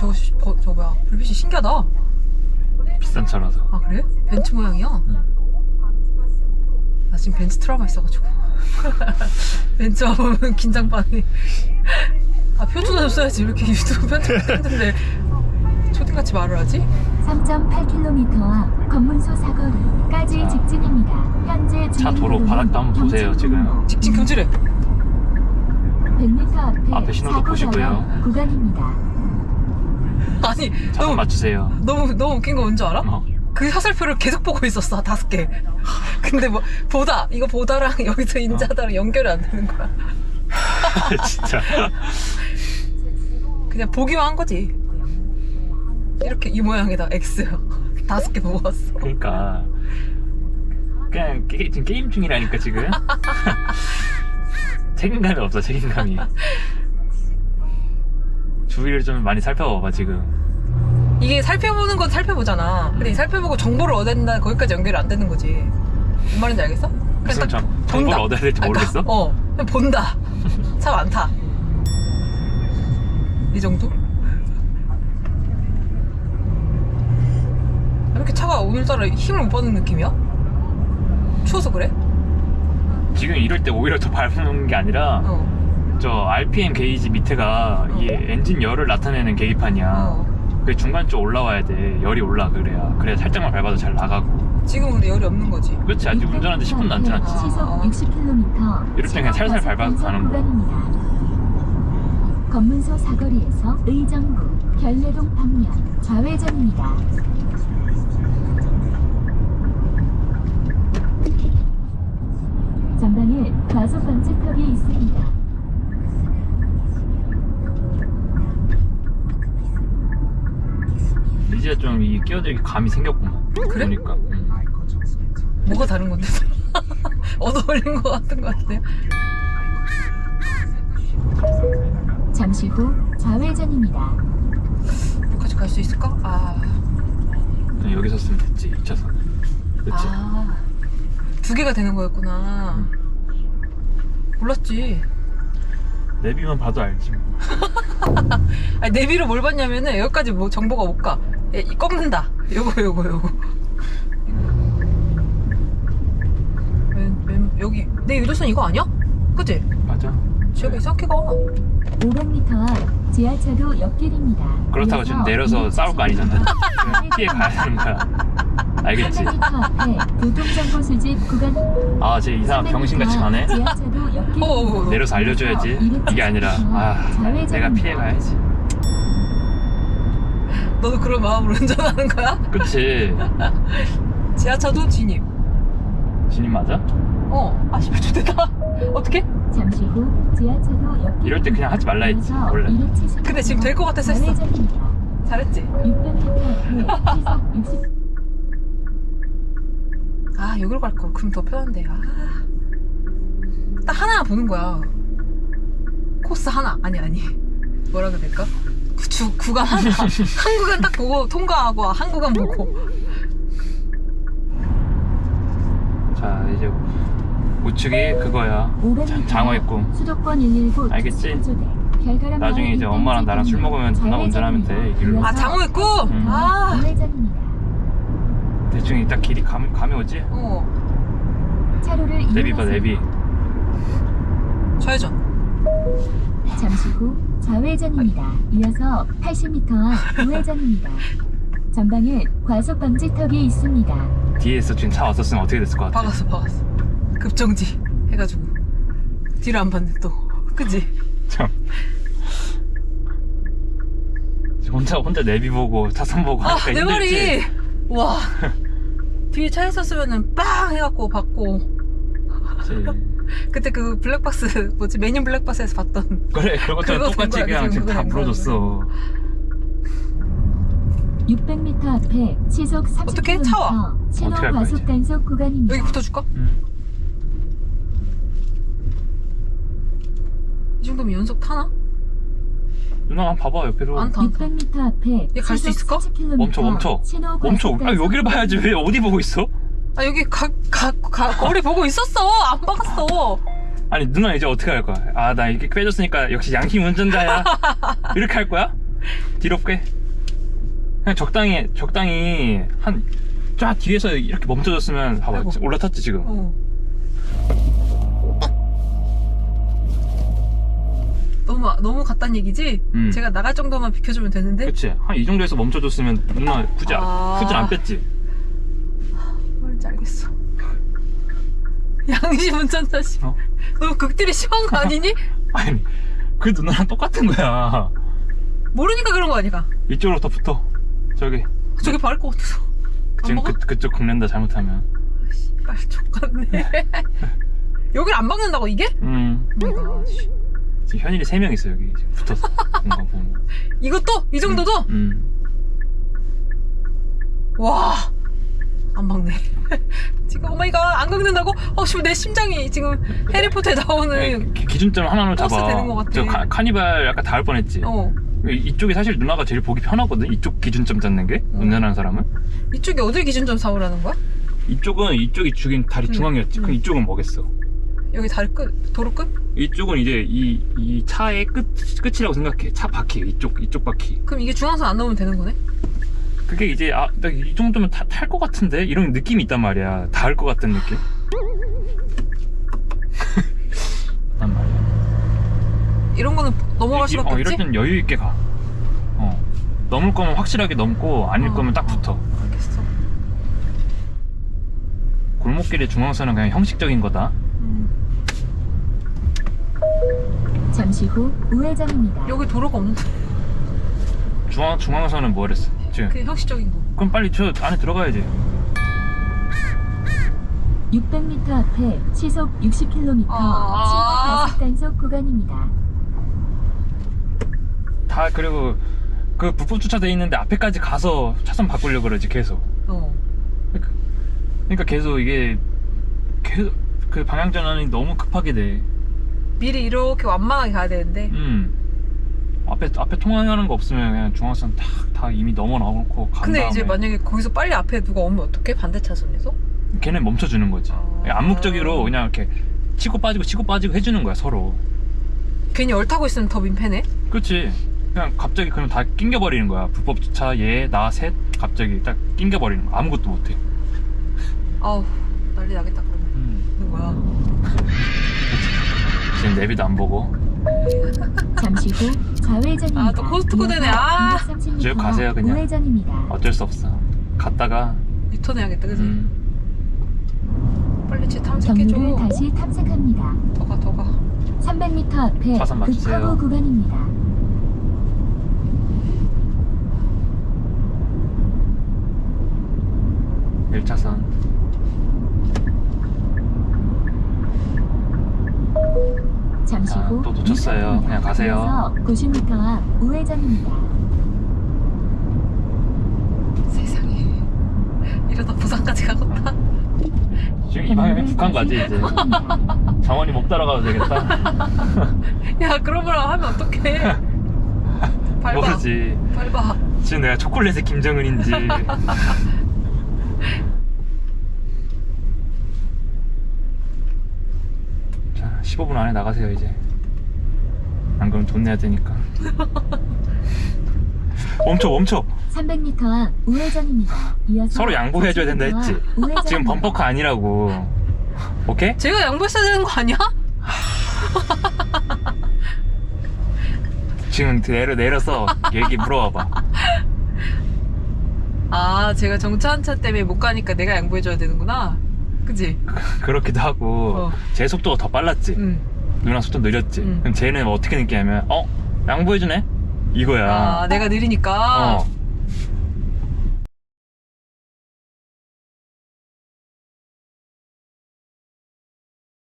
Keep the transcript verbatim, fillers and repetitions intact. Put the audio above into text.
저거 시- 버, 저거 뭐야 불빛이 신기하다. 비싼 차라서. 아 그래? 벤츠 모양이야? 응. 나 지금 벤츠 트라우마 있어가지고 벤츠 와보면 긴장 반이. 아 표준어 좀 써야지. 왜 이렇게 유튜브 편집했는데 초딩같이 말을 하지? 삼 점 팔 킬로미터와 검문소 사거리까지 자, 직진입니다. 현재 차 도로 바닥도 한번 보세요, 지금. 직진 금지래. 백 미터 앞에, 앞에 신호도 사고 보시고요. 전환 구간입니다. 아니 차선 너무 맞추세요. 너무 너무 웃긴 거 뭔지 알아? 어. 그 화살표를 계속 보고 있었어. 다섯 개. 근데 뭐 보다 이거 보다랑 여기서 인자다랑 연결이 안 되는 거야. 진짜. 그냥 보기만 한 거지. 이렇게 이 모양이다. X. 다섯 개 보고 왔어. 그러니까 그냥 게, 지금 게임 중이라니까 지금. 책임감이 없어, 책임감이. 주위를 좀 많이 살펴봐봐 지금. 이게 살펴보는 건 살펴보잖아. 근데 이 살펴보고 정보를 얻어야 된다. 거기까지 연결이 안 되는 거지. 뭔 말인지 알겠어? 그냥 무슨 딱 정, 본다. 정보를 얻어야 될지 아, 모르겠어? 그러니까, 어, 그냥 본다. 차 많다. 이 정도? 왜 이렇게 차가 오늘따라 힘을 못 받는 느낌이야? 추워서 그래? 지금 이럴 때 오히려 더 밟는 게 아니라 어. 저 알피엠 게이지 밑에가 어. 이 엔진 열을 나타내는 계기판이야. 어. 그 중간 쪽 올라와야 돼. 열이 올라. 그래야 그래야 살짝만 밟아도 잘 나가고. 지금 근데 열이 없는 거지. 그렇지. 아직 운전하는데 십 분도 안 지났지. 시속 육십 킬로미터. 이럴 때 그냥 살살 밟아서 가는 거야. 구간입니다. 검문소 사거리에서 의정부 결례동 방면 좌회전입니다. 전방에 과속 방지턱이 있습니다. 이제 좀 이 끼어들기 감이 생겼구만. 그래? 그러니까. 응. 뭐가 다른 건데? 얻어 올린 거 같은 거 같아. 잠시 후 좌회전입니다. 여기까지 갈 수 있을까? 아. 그냥 여기서 쓰면 됐지. 이 차선. 그렇지. 아. 두 개가 되는 거였구나. 몰랐지. 내비만 봐도 알지 뭐. 아니, 내비로 뭘 봤냐면은 여기까지 뭐 정보가 못 가. 예, 이 꺾는다. 요거 요거 요거. 왼, 왼, 여기 내 유도선 이거 아니야? 그치? 맞아. 지역이 이상하게 가. 오백 미터 앞 지하차도 옆길입니다. 그렇다고 지금 내려서 싸울 거 아니잖아. 그냥 피해 가야 되는 거야. 알겠지? 삼백 미터 앞에 교통정보 수집 구간. 아, 쟤 이상한 병신같이 가네? 지하차도 옆길. 어어어. 내려서 알려줘야지. 이게 아니라, 아, 내가 피해 가야지. 너도 그런 마음으로 운전하는 거야? 그치? 지하차도 진입. 진입 맞아? 어. 아, 씨발, 좋겠다. 어떡해? 잠시 후 지하차도 옆길. 이럴 때 그냥 하지 말라 했지, 원래. 근데 지금 될 것 같아서 했어. 잘했지? 육백 미터 앞에 시속 육십. 아, 여기로 갈 걸. 그럼 더 편한데. 아. 딱 하나 보는 거야. 코스 하나. 아니, 아니. 뭐라 그래야 될까? 그 주, 구간 하나. 한 구간 딱 보고 통과하고, 한 구간 보고. 자, 이제 우측이 그거야. 자, 장어했고. 수도권 일일구 알겠지? 결과람 나중에 이제 엄마랑 나랑 술 먹으면 누나 운전하면 돼, 이 길로. 아, 장어했고? 음. 아. 우회전입니다. 대충 이따 길이 감, 감이 오지? 어. 차로를 내비 봐, 이용하세요. 내비. 좌회전. 잠시 후 좌회전입니다. 이어서 팔십 미터 앞 우회전입니다. 전방에 과속 방지턱이 있습니다. 뒤에서 지금 차 왔었으면 어떻게 됐을 것 같아? 박았어, 박았어. 급정지. 해가지고. 뒤를 안 봤네, 또. 그치? 참. 혼자, 혼자 내비 보고 차선 보고 아, 하니까 내 힘들지? 말이. 와. 뒤에 차 있었으면은 빵! 해갖고 받고. 그치. 그때 그 블랙박스, 뭐지? 메뉴 블랙박스에서 봤던. 그래, 그것처럼 그거 똑같이 된 거야, 그냥 지금 그거 다 된 거야, 물어줬어. 육백 미터 앞에 시속 삼십 어떻게? 킬로미터 차 와. 신호 어떻게 할 거야, 과속 이제? 단속 구간입니다. 여기 붙어줄까? 응. 이 정도면 연속 타나? 누나 한번 봐봐, 옆에서. 안 타, 안 타. 육백 미터 앞에 얘갈수 시속 있을까? 사십 킬로미터 멈춰, 멈춰. 신호 멈춰. 과속 아, 단속 여기를 봐야지. 왜 어디 보고 있어? 아, 여기 가, 가, 가, 거리 보고 있었어! 안 박았어! 아니, 누나 이제 어떻게 할 거야? 아, 나 이렇게 빼줬으니까 역시 양심 운전자야. 이렇게 할 거야? 뒤로 빼. 그냥 적당히 적당히 한 쫙 뒤에서 이렇게 멈춰줬으면 봐봐. 아이고. 올라탔지 지금. 어. 너무 너무 갔단 얘기지? 음. 제가 나갈 정도만 비켜주면 되는데. 그치? 한 이 정도에서 멈춰줬으면 누나 굳이 아. 후진 안 뺐지. 뭔지 알겠어. 양심 운전자 씨. 어? 너무 극딜이 심한 거 아니니? 아니 그 누나랑 똑같은 거야. 모르니까 그런 거 아니까? 이쪽으로 더 붙어. 저기 저기 바를 것 같아서. 안 지금 먹어? 그, 그쪽 긁는다 잘못하면. 빨리 족같네. 여길 안 박는다고 이게? 음. 오마이갓. 지금 현일이 세 명 있어 여기 지금 붙어서. 뭔가 보면. 이것도? 이 정도도? 음. 와. 안 박네. 지금 오마이갓 안 긁는다고? 어, 씨, 내 심장이 지금 해리포터에 나오는. 기- 기준점 하나로 버스 잡아. 되는 것 같아. 저 카, 카니발 약간 닿을 뻔했지. 어. 이- 이쪽이 사실 누나가 제일 보기 편하거든. 이쪽 기준점 잡는 게 어. 운전하는 사람은. 이쪽이 어딜 기준점 삼으라는 거야? 이쪽은 이쪽이 죽인 다리 음. 중앙이었지. 음. 그럼 이쪽은 뭐겠어? 여기 다리 끝, 도로 끝? 이쪽은 이제 이, 이 차의 끝 끝이라고 생각해. 차 바퀴 이쪽 이쪽 바퀴. 그럼 이게 중앙선 안 넘으면 되는 거네? 그게 이제 아, 나 이 정도면 탈 것 같은데 이런 느낌이 있단 말이야. 닿을 것 같은 느낌. 단 말이야. 이런 거는 넘어갈 이- 수밖에 어, 없지? 이럴 땐 여유 있게 가. 어. 넘을 거면 확실하게 넘고 아닐 어, 거면 딱 붙어. 어, 알겠어. 골목길의 중앙선은 그냥 형식적인 거다. 음. 잠시 후 우회전입니다. 여기 도로가 없는데. 중앙 중앙선은 뭐랬어? 지금. 그게 형식적인 거. 그럼 빨리 저 안에 들어가야지. 육백 미터 앞에 시속 육십 킬로미터 아. 신호 과속 단속 구간입니다. 다 그리고 그 불법 주차돼 있는데 앞에까지 가서 차선 바꾸려고 그러지 계속. 어. 그러니까 계속 이게 계속 그 방향 전환이 너무 급하게 돼. 미리 이렇게 완만하게 가야 되는데. 음. 앞에 앞에 통행하는 거 없으면 그냥 중앙선 다, 다 이미 넘어 나오고 간 근데 다음에 이제 만약에 거기서 빨리 앞에 누가 오면 어떡해? 반대 차선에서? 걔네 멈춰주는 거지. 아. 암묵적으로 그냥 이렇게 치고 빠지고 치고 빠지고 해주는 거야 서로. 괜히 얼타고 있으면 더 민폐네? 그렇지. 그냥 갑자기 그럼 다 낑겨버리는 거야. 불법 주차 얘 나 셋 갑자기 딱 낑겨버리는 거야. 아무것도 못해. 아우, 난리 나겠다, 그러면. 음. 누구야? 지금 내비도 안 보고. 잠시 후 좌회전입니다. 아, 또 코스트코 되네. 아. 이백삼십 미터 쭉 가세요, 그냥. 우회전입니다. 어쩔 수 없어. 갔다가 유턴 해야겠다, 그지? 음, 빨리 쟤 탐색해줘. 경로를 다시 탐색합니다. 더 가, 더 가. 삼백 미터 앞에 차선 맞추세요. 급커브 구간입니다. 일 차선. 잠시 자, 후 또 놓쳤어요. 유턴입니다. 그냥 가세요. 이어서 구십 미터 앞 우회전입니다. 세상에. 이러다 부산까지 가겠다. 지금 이 방향이 북한 가지 이제. 정원이 못 따라가도 되겠다. 야, 그런 말 하면 어떡해. 밟아. 모르지. 밟아. 지금 내가 초콜릿의 김정은인지. 자, 십오 분 안에 나가세요 이제. 안 그러면 돈 내야 되니까. 멈춰 멈춰. 삼백 미터 앞 우회전입니다. 이어서 서로 양보해줘야 된다 사십 미터 했지? 앞 우회전입니다. 지금 범퍼카 아니라고. 오케이? 제가 양보했어야 되는 거 아니야? 지금 내려 내려서 얘기 물어봐봐. 아, 제가 정차 차 때문에 못 가니까 내가 양보해줘야 되는구나. 그지? 그렇기도 하고 어. 제 속도가 더 빨랐지. 응. 누나 속도 느렸지. 응. 그럼 쟤는 어떻게 느끼냐면 어? 양보해주네? 이거야. 아, 내가 느리니까. 어.